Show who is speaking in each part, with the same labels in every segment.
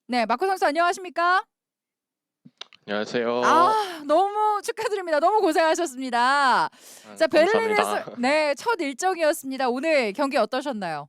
Speaker 1: 네, 마코 선수 안녕하십니까?
Speaker 2: 안녕하세요.
Speaker 1: 너무 축하드립니다. 너무 고생하셨습니다. 자, 베를린에서
Speaker 2: 감사합니다.
Speaker 1: 네, 첫 일정이었습니다. 오늘 경기 어떠셨나요?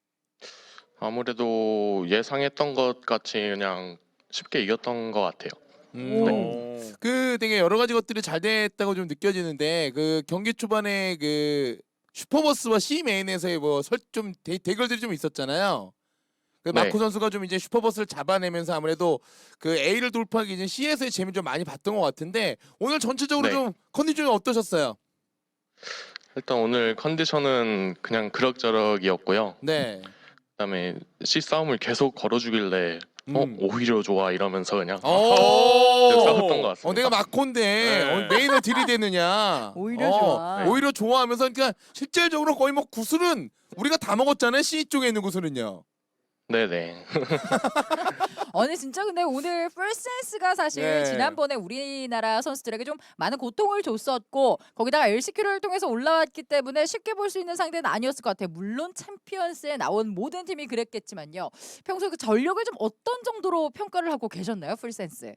Speaker 2: 아무래도 예상했던 것 같이 그냥 쉽게 이겼던 것 같아요. 네.
Speaker 1: 오.
Speaker 3: 그 되게 여러 가지 것들이 잘 됐다고 좀 느껴지는데 그 경기 초반에 그 슈퍼버스와 C메인에서의 좀 대결들이 좀 있었잖아요. 그
Speaker 2: 네.
Speaker 3: 마코 선수가 좀 이제 슈퍼버스를 잡아내면서 아무래도 그 A를 돌파하기 이제 C에서의 재미 좀 많이 봤던 것 같은데 오늘 전체적으로
Speaker 2: 네.
Speaker 3: 좀 컨디션이 어떠셨어요?
Speaker 2: 일단 오늘 컨디션은 그냥 그럭저럭이었고요.
Speaker 3: 네.
Speaker 2: 그다음에 C 싸움을 계속 걸어주길래
Speaker 3: 음.
Speaker 2: 오히려 좋아 이러면서 그냥
Speaker 3: 오.
Speaker 2: 싸웠던 것 같습니다.
Speaker 3: 내가 마코인데
Speaker 4: 네.
Speaker 3: 메인을 들이대느냐?
Speaker 1: 오히려 좋아.
Speaker 3: 오히려 좋아하면서 그러니까 실질적으로 거의 뭐 구슬은 우리가 다 먹었잖아요. C 쪽에 있는 구슬은요.
Speaker 2: 네네.
Speaker 1: 아니 진짜 근데 오늘 풀센스가 사실
Speaker 3: 네.
Speaker 1: 지난번에 우리나라 선수들에게 좀 많은 고통을 줬었고 거기다가 LCQ를 통해서 올라왔기 때문에 쉽게 볼 수 있는 상대는 아니었을 것 같아요. 물론 챔피언스에 나온 모든 팀이 그랬겠지만요. 평소에 그 전력을 좀 어떤 정도로 평가를 하고 계셨나요, 풀센스?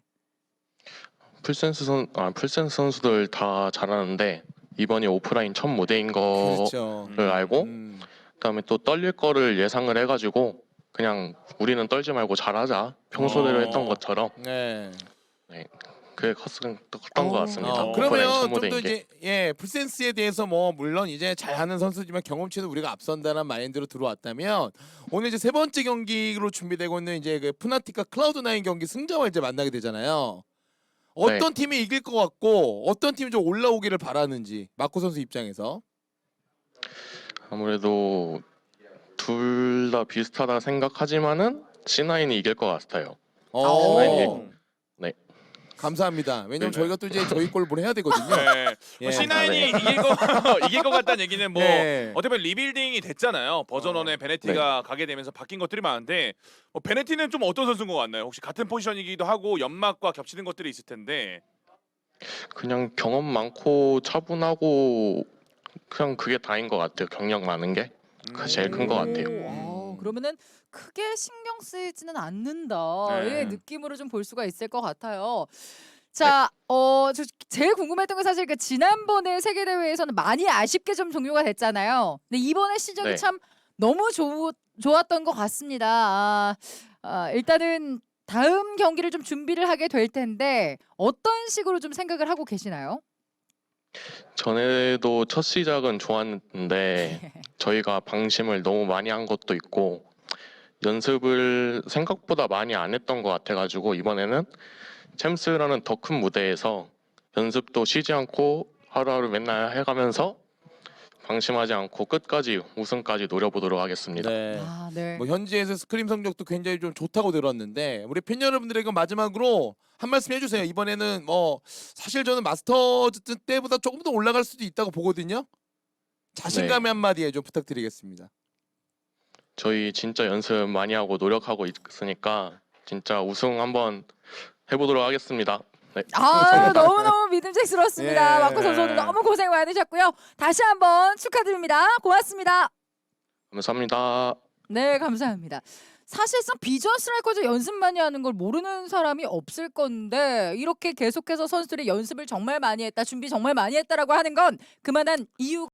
Speaker 2: 풀센스 선수들 다 잘하는데 이번이 오프라인 첫 무대인 거를
Speaker 3: 그렇죠.
Speaker 2: 알고
Speaker 3: 음.
Speaker 2: 그다음에 또 떨릴 거를 예상을 해가지고 그냥 우리는 떨지 말고 잘하자 평소대로 했던 것처럼
Speaker 3: 네.
Speaker 2: 그게 컸던 것 같습니다. 오프라인 첫
Speaker 3: 그러면 좀
Speaker 2: 무대인
Speaker 3: 더
Speaker 2: 게.
Speaker 3: 이제 풀센스에 대해서 뭐 물론 이제 잘하는 선수지만 경험치는 우리가 앞선다는 마인드로 들어왔다면 오늘 이제 세 번째 경기로 준비되고 있는 이제 그 푸나틱과 클라우드9 경기 승자와 이제 만나게 되잖아요. 어떤 팀이 이길 것 같고 어떤 팀이 좀 올라오기를 바라는지 마코 선수 입장에서.
Speaker 2: 아무래도 둘 다 비슷하다 생각하지만은 C9이 이길 것 같아요.
Speaker 3: 어.
Speaker 2: 네.
Speaker 3: 감사합니다. 왜냐면
Speaker 4: 네네.
Speaker 3: 저희가 또 이제 저희 걸 뭘 해야 되거든요.
Speaker 4: 네.
Speaker 3: 예.
Speaker 4: C9이 이길 것 같다는 얘기는 뭐
Speaker 3: 네.
Speaker 4: 어떻게 보면 리빌딩이 됐잖아요. 버전 1에 베네티가 가게 되면서 바뀐 것들이 많은데 베네티는 좀 어떤 선수인 것 같나요? 혹시 같은 포지션이기도 하고 연막과 겹치는 것들이 있을 텐데.
Speaker 2: 그냥 경험 많고 차분하고 그냥 그게 다인 것 같아요. 경력 많은 게 그게 제일 큰 것 같아요.
Speaker 1: 그러면은 크게 신경 쓰이지는 않는다.
Speaker 4: 네.
Speaker 1: 의 느낌으로 좀 볼 수가 있을 것 같아요. 자, 저 제일 궁금했던 건 사실 그 지난번에 세계 대회에서는 많이 아쉽게 좀 종료가 됐잖아요. 근데 이번에 시작이
Speaker 4: 네.
Speaker 1: 참 너무 좋았던 것 같습니다. 일단은 다음 경기를 좀 준비를 하게 될 텐데 어떤 식으로 좀 생각을 하고 계시나요?
Speaker 2: 전에도 첫 시작은 좋았는데 저희가 방심을 너무 많이 한 것도 있고 연습을 생각보다 많이 안 했던 것 같아가지고 이번에는 챔스라는 더 큰 무대에서 연습도 쉬지 않고 하루하루 맨날 해가면서 방심하지 않고 끝까지 우승까지 노려보도록 하겠습니다.
Speaker 3: 네.
Speaker 1: 네.
Speaker 3: 뭐 현지에서 스크림 성적도 굉장히 좀 좋다고 들었는데 우리 팬 여러분들에게 마지막으로 한 말씀 해주세요. 이번에는 뭐 사실 저는 마스터즈 때보다 조금 더 올라갈 수도 있다고 보거든요. 자신감의
Speaker 2: 네.
Speaker 3: 한마디에 좀 부탁드리겠습니다.
Speaker 2: 저희 진짜 연습 많이 하고 노력하고 있으니까 진짜 우승 한번 해보도록 하겠습니다. 네.
Speaker 1: 너무너무 믿음직스럽습니다.
Speaker 3: 예.
Speaker 1: 마코 선수 오늘 너무 고생 많으셨고요. 다시 한번 축하드립니다. 고맙습니다.
Speaker 2: 감사합니다.
Speaker 1: 네, 감사합니다. 사실상 비전 스트라이커즈 연습 많이 하는 걸 모르는 사람이 없을 건데 이렇게 계속해서 선수들이 연습을 정말 많이 했다, 준비 정말 많이 했다라고 하는 건 그만한 이유